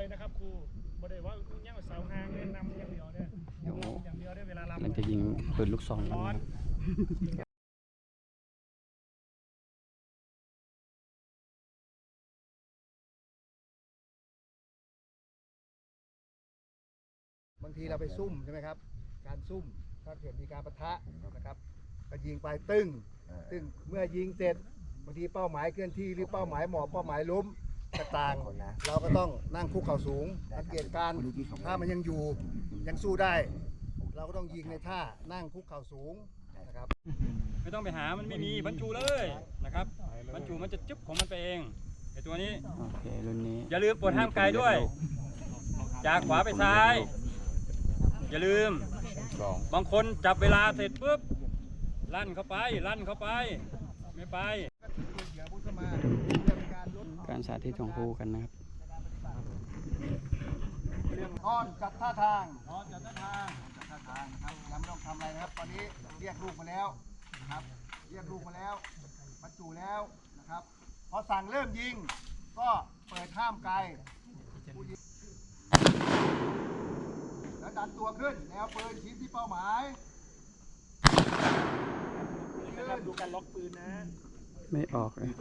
เลยนะครับครูบ่ได้ว่าย่างเสาหางเน้นนำอย่างเดียวเนี่ยอย่างเดียวได้เวลาลำมันจะยิงปืนลูกซองกันนะครับบางทีเราไปซุ่มใช่ไหมครับการซุ่มถ้าเกิดมีการปะทะนะครับก็ยิงไปตึ้งเมื่อยิงเสร็จบางทีเป้าหมายเคลื่อนที่หรือเป้าหมายหมอบเป้าหมายล้มต่างๆเราก็ต้องนั่งคุกเข่าสูงสังเกตการถ้ามันยังอยู่ยังสู้ได้เราก็ต้องยิงในท่านั่งคุกเข่าสูงนะครับไม่ต้องไปหามันไม่มีบรรจุเลยนะครับบรรจุมันจะจุ๊บของมันไปเองไอตัวนี้โอเครุ่นนี้อย่าลืมปลดห้ามไกลด้วยจากขวาไปซ้ายอย่าลืมบางคนจับเวลาเสร็จปุ๊บลั่นเข้าไปไม่ไปการสาธิตของครูกันนะครับเรื่องนอนจัดท่าทางนะครับยังไม่ต้องทำอะไรนะครับตอนนี้เรียกลูกมาแล้วนะครับเรียกลูกมาแล้วบรรจุแล้วนะครับพอสั่งเริ่มยิงก็เปิดห้ามไกลแล้วดันตัวขึ้นแนวปืนชี้ที่เป้าหมายดูการล็อกปืนนะไม่ออกเลย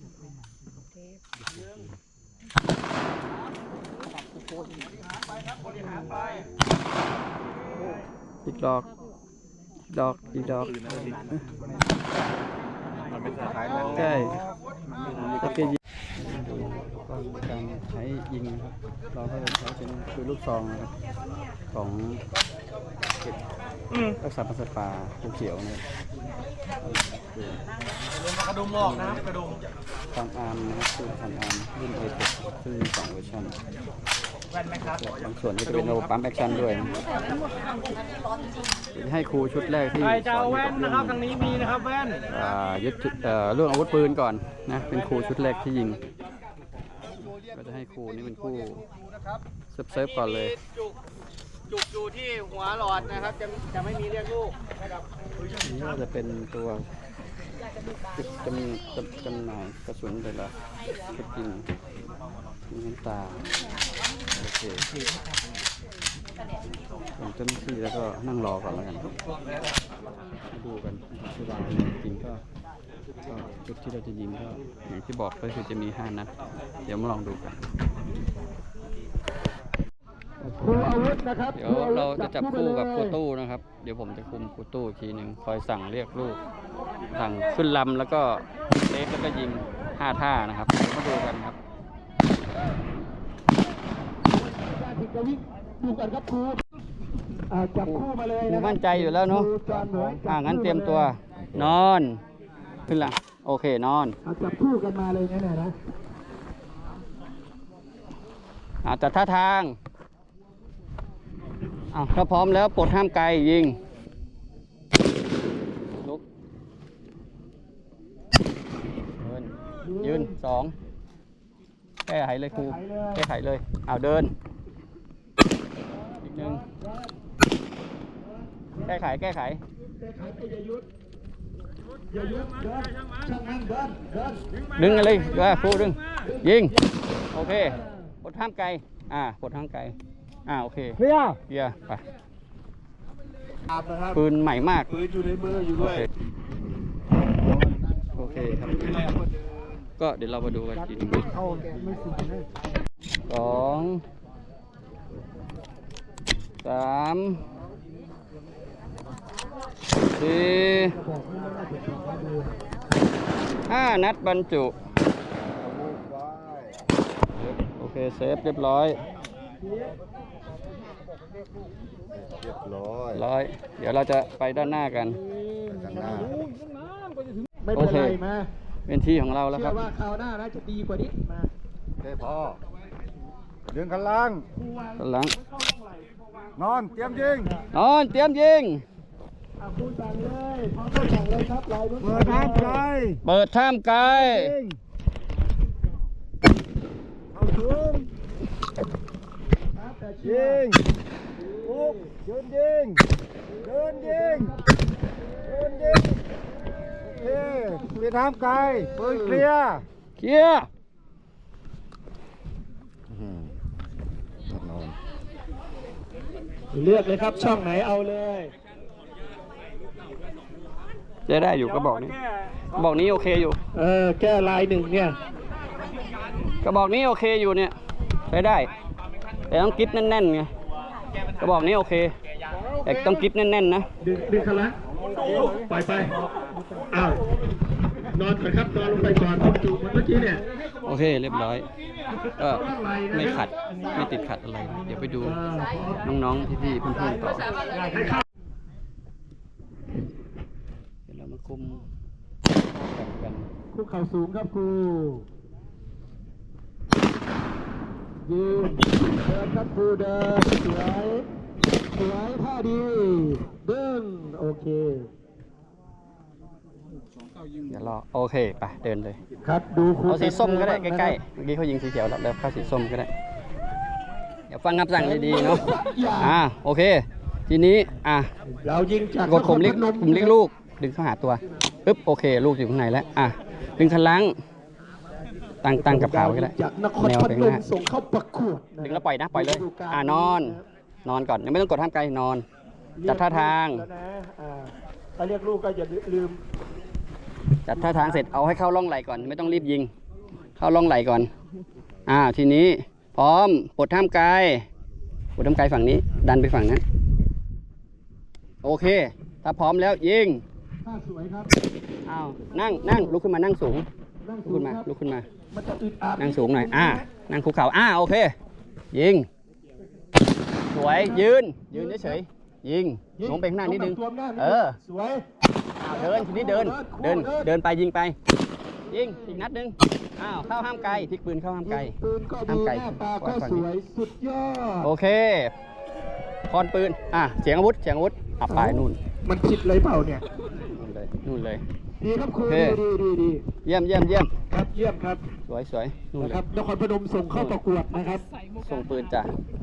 อีกดอกใช่ตะเกียบดูการใช้ยิงนะครับเราก็จะใช้เป็นปืนลูกซองนะครับของรักษาพันธุ์สัตว์ป่าภูเขียวนะครับกระดุมออกนะกระดุมฟันอาร์มนะครับคือฟันอาร์มรุ่นเอเซึ่งมี2เวอร์ชันบางส่วนก็จะเป็นระบบปั๊มแอคชั่นด้วยให้ครูชุดแรกที่ใครจะเอาแว่นนะครับทางนี้มีนะครับแว่นยึดเรื่องอาวุธปืนก่อนนะเป็นครูชุดแรกที่ยิงก็จะให้ครูนี่เป็นครูเซิร์ฟก่อนเลยจุกอยู่ที่หัวหลอดนะครับจะไม่มีเรียกลูกนี่ก็จะเป็นตัวจำหน่ายกระสุนแต่ละชุดยิงมีน้ำตาโอเคผมเจ้าหน้าที่แล้วก็นั่งรอก่อนแล้วกันมาดูกันที่วางจริงก็จุดที่เราจะยิงก็อย่างที่บอกก็คือจะมี5 นัดเดี๋ยวมาลองดูกันเดี๋ยวเราจะจับคู่กับครูตู้นะครับเดี๋ยวผมจะคุมครูตู้อีกทีหนึ่งคอยสั่งเรียกลูกสั่งขึ้นลำแล้วก็เซฟแล้วก็ยิง5 ท่านะครับมาดูกันครับจับคู่มาเลยนะมั่นใจอยู่แล้วเนาะงั้นเตรียมตัวนอนขึ้นละโอเคนอนจับคู่กันมาเลยนะจัดท่าทางถ้าพร้อมแล้วปลดห้ามไกลยิงลุกยืน2แก้ไขเลยครูแก้ไขเลยเดินอีกหนึ่งแก้ไขอย่ายุดดึงอะไรครูดึงยิงโอเคปลดห้ามไกลปลดห้ามไกลโอเคเฮียไปปืนใหม่มากปืนอยู่ในมืออยู่ด้วยโอเคครับก็เดี๋ยวเรามาดูกันทีนึง2 3 4 5 นัดบรรจุโอเคเซฟเรียบร้อยเดี๋ยวเราจะไปด้านหน้ากันโอเคเป็นที่ของเราแล้วครับว่าคราวหน้าน่าจะดีกว่านี้มาพอดึงกันล่างนอนเตรียมยิงคุณสั่งเลยพร้อมสั่งเลยครับเปิดท่ามไกลเอาสูงยิงลุกยืนยิงโอเคเปิดท่ามไกลปืนเคลียร์เลือกเลยครับช่องไหนเอาเลยจะได้อยู่กระบอกนี้กระบอกนี้โอเคอยู่แก้ลายหนึ่งเนี่ยกระบอกนี้โอเคอยู่เนี่ยใช้ได้ แต่ต้องกริปแน่นๆไงกระบอกนี้โอเคแต่ต้องกริปแน่นๆนะดึงคันละปล่อยไปอ้าวนอนก่อนครับนอนลงไปก่อนจุกเมื่อกี้เนี่ยโอเคเรียบร้อยก็ไม่ขัดไม่ติดขัดอะไร เดี๋ยวไปดูน้องๆพี่ๆเพื่อนๆต่อเดี๋ยวเรามาคุมกันคุกเข่าสูงครับครูยืนเดินครับครูเดินสวยสวยท่าดีดึงโอเคเดี๋ยวรอโอเคไปเดินเลยครับดูครูเอาสีส้มก็ได้ใกล้ๆเมื่อกี้เขายิงสีเขียวแล้วเข้าสีส้มก็ได้เดี๋ยวฟังคำสั่งดีๆเนาะโอเคทีนี้เรายิงจากกดปุ่มเรียกลูกดึงเข้าหาตัวปึ๊บโอเคลูกอยู่ข้างในแล้วดึงคันลังตั้งกับขาไว้ก็ได้จากนครแนวพไปนข้างหมน้าส่งเข้าประกวดดึงแล้วปล่อยนะปล่อยเลยนอนก่อนยังไม่ต้องกดห้ามไกลนอนจัดท่าทางถ้าเรียกลูกก็อย่าลืมจัดท่าทางเสร็จเอาให้เข้าร่องไหลก่อนไม่ต้องรีบยิงเข้าร่องไหลก่อนทีนี้พร้อมปลดท่ามไกลฝั่งนี้ดันไปฝั่งนั้นโอเคถ้าพร้อมแล้วยิงท่าสวยครับนั่งลุกขึ้นมานั่งสูงลุกขึ้นมามันจะอึดอัดนั่งสูงหน่อยนั่งคุกเข่าโอเคยิงสวยยืนเฉยๆยิงลงไปข้างหน้านิดนึงสวยเดินทีนี้เดินไปยิงไปยิงอีกนัดนึงเข้าห้ามไกลพลิกปืนเข้าห้ามไกลปืนก็ดูหน้าตาก็สวยสุดยอดโอเคคอนปืนเสียงอาวุธไปนู่นมันผิดเลยเปล่าเนี่ยนู่นเลยดีครับครูดีเยี่ยมครับเยี่ยมครับสวยนู่นเลยครับนครพนมส่งเข้าประกวดนะครับส่งปืนจ้ะ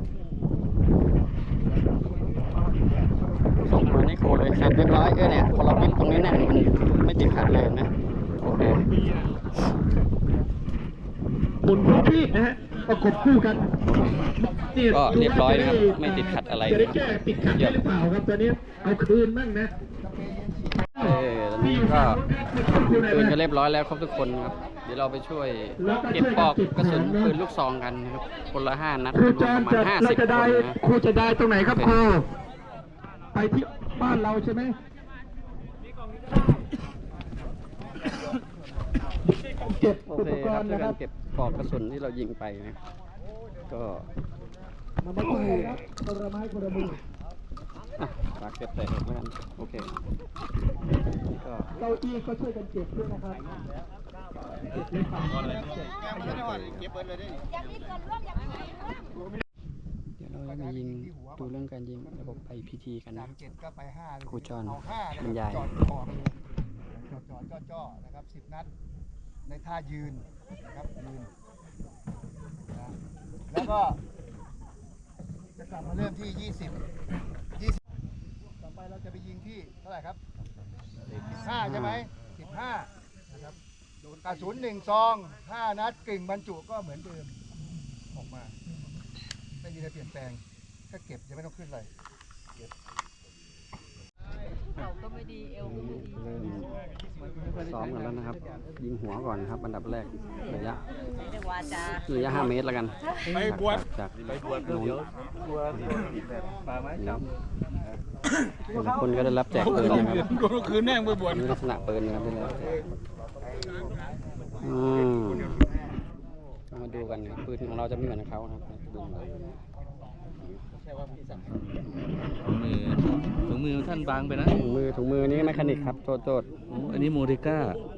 ส่งปืนนี่โคเลยเสร็จเรียบร้อยเนี่ยพอเราปิ้นตรงนี้เนี่ยมันไม่ติดขัดเลยนะโอเคบนหัวพี่นะฮะประกบคู่กันก็เรียบร้อยนะครับไม่ติดขัดอะไรจะได้แก้ติดขัดได้หรือเปล่าครับตอนนี้เอาคืนบ้างนะตอนนี้ก็ปืนก็เรียบร้อยแล้วครบทุกคนครับเดี๋ยวเราไปช่วยเก็บปลอกกระสุนปืนลูกซองกันนะครับคนละ5 นัดรวมประมาณ50 คนนะครูจะได้ตรงไหนครับครูไปที่บ้านเราใช่ไหมเก็บโออุเคปกครรับณ์ช่วยนะคกัรันบเก็บปลอกกระสุนที่เรายิงไปนะก็มันไม่ใช่ครับคนละไม้คนละมือฝากเก็บใส่ถุงแล้วกันโอเคก็เก้าอี้ก็ช่วยกันเก็บด้วยนะครับเก็บเลยครับเดี๋ยวเราจะมายิงดูเรื่องการยิงระบบ IPT กันนะครูจอนบรรยายจ่อนะครับ10 นัดในท่ายืนนะครับยืนแล้วก็จะกลับมาเริ่มที่20ต่อไปเราจะไปยิงที่เท่าไหร่ครับ15ใช่ไหม15นะครับกระสุน1 ซอง5 นัดกึ่งบรรจุก็เหมือนเดิมออกมาไม่มีอะไรเปลี่ยนแปลงถ้าเก็บจะไม่ต้องขึ้นเลยเขาก็ไม่ดีเอวก็ไม่ดีเริ่มซ้อมกันแล้วนะครับยิงหัวก่อนนะครับอันดับแรกระยะ5 เมตรแล้วกันไปบวชจากนู้นคนก็ได้รับแจกปืนนะครับคืนแน่งไปบวชลักษณะปืนนะครับได้แล้วมาดูกันนะปืนของเราจะไม่เหมือนเขาครับถุงมือท่านบางไปนะถุงมือนี่แมคานิกครับโทษอันนี้โมเดก้า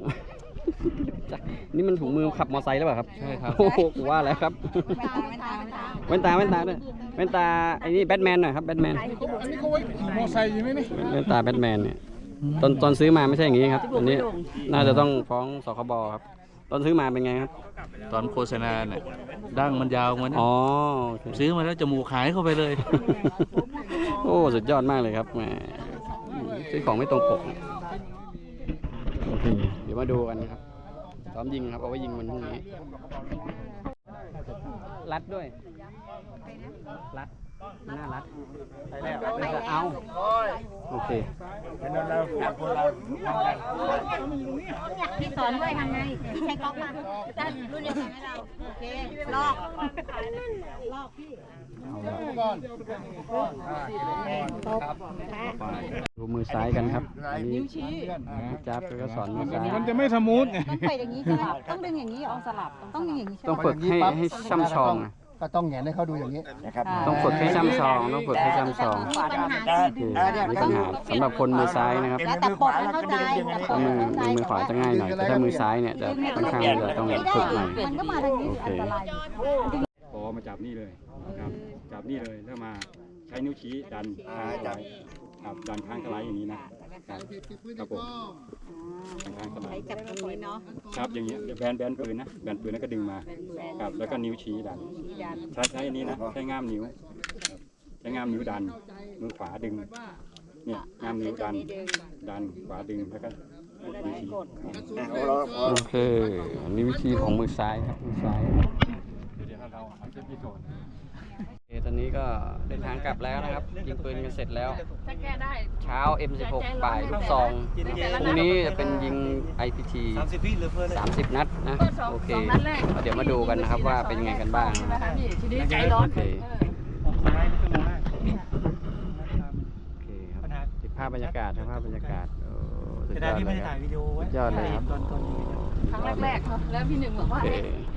นี่มันถุงมือขับมอเตอร์ไซค์หรือเปล่าครับใช่ครับโอ้โหกูว่าแล้วครับแว่นตาด้วยแว่นตาไอ้นี่แบทแมนหน่อยครับแบทแมนอันนี้เขาไว้ขี่มอเตอร์ไซค์ใช่ไหมนี่แว่นตาแบทแมนเนี่ยตอนซื้อมาไม่ใช่อย่างนี้ครับอันนี้น่าจะต้องฟ้องสคบครับตอนซื้อมาเป็นไงครับตอนโฆษณาเนี่ยดั้งมันยาวมันซื้อมาแล้วจมูกหายเข้าไปเลยโอ้สุดยอดมากเลยครับแหมซื้อของไม่ตรงปกเดี๋ยวมาดูกันครับซ้อมยิงครับเอาไว้ยิงวันพรุ่งนี้รัดด้วยรัดน่ารักเอาโอเคพี่สอนด้วยทำไงใช้ก๊อกมาจะรุ่นเดียวกันให้เรา โอเค ลอกพี่ดูมือซ้ายกันครับนิ้วชี้จับก็สอนมือซ้ายมันจะไม่สมูทไงต้องไปอย่างนี้ใช่ไหมต้องดึงอย่างนี้เอาสลับ ต้องอย่างนี้ใช่ไหมต้องฝึกให้ช่ำชองก็ต้องแหงนให้เขาดูอย่างนี้นะครับต้องฝึกให้ช่ำชองต้องฝึกให้ช่ำชองมีปัญหาคือมีปัญหาสำหรับคนมือซ้ายนะครับแล้วแต่ปดเข้าใจแต่ปดมือขวาจะง่ายหน่อยแต่ถ้ามือซ้ายเนี่ยจะค่อนข้างจะต้องฝึกหน่อยมันก็มาทางนี้อันตรายพอมาจับนี่เลยครับจับนี่เลยแล้วมาใช้นิ้วชี้ดันข้างสไลด์ครับดันข้างสไลด์อย่างนี้นะครับผมข้างสไลด์จับตรงนี้เนาะครับอย่างเงี้ยแบนปืนนะแบนปืนแล้วก็ดึงมาครับแล้วก็นิ้วชี้ดันใช้อันนี้นะใช้ง่ามนิ้วครับใช้ง่ามนิ้วดันมือขวาดึงเนี่ยง่ามนิ้วดันขวาดึงแล้วก็นิ้วชี้โอเคอันนี้วิธีของมือซ้ายครับมือซ้ายเดี๋ยวเราเอาเทปพิโซดตอนนี้ก็เดินทางกลับแล้วนะครับยิงปืนกันเสร็จแล้วถ้าแก้ได้เช้า M16 บ่ายลูกซองพรุ่งนี้จะเป็นยิง IPT 30 นัดนะโอเคเดี๋ยวมาดูกันนะครับว่าเป็นยังไงกันบ้างทีนี้ใจร้อนโอเคซ้ายชั่วโมงแรกโอเคครับติดภาพบรรยากาศนะภาพบรรยากาศโอ้สุดยอดเลยครับสุดยอดเลยครับครั้งแรกๆครับแล้วพี่หนึ่งบอกว่าโอเค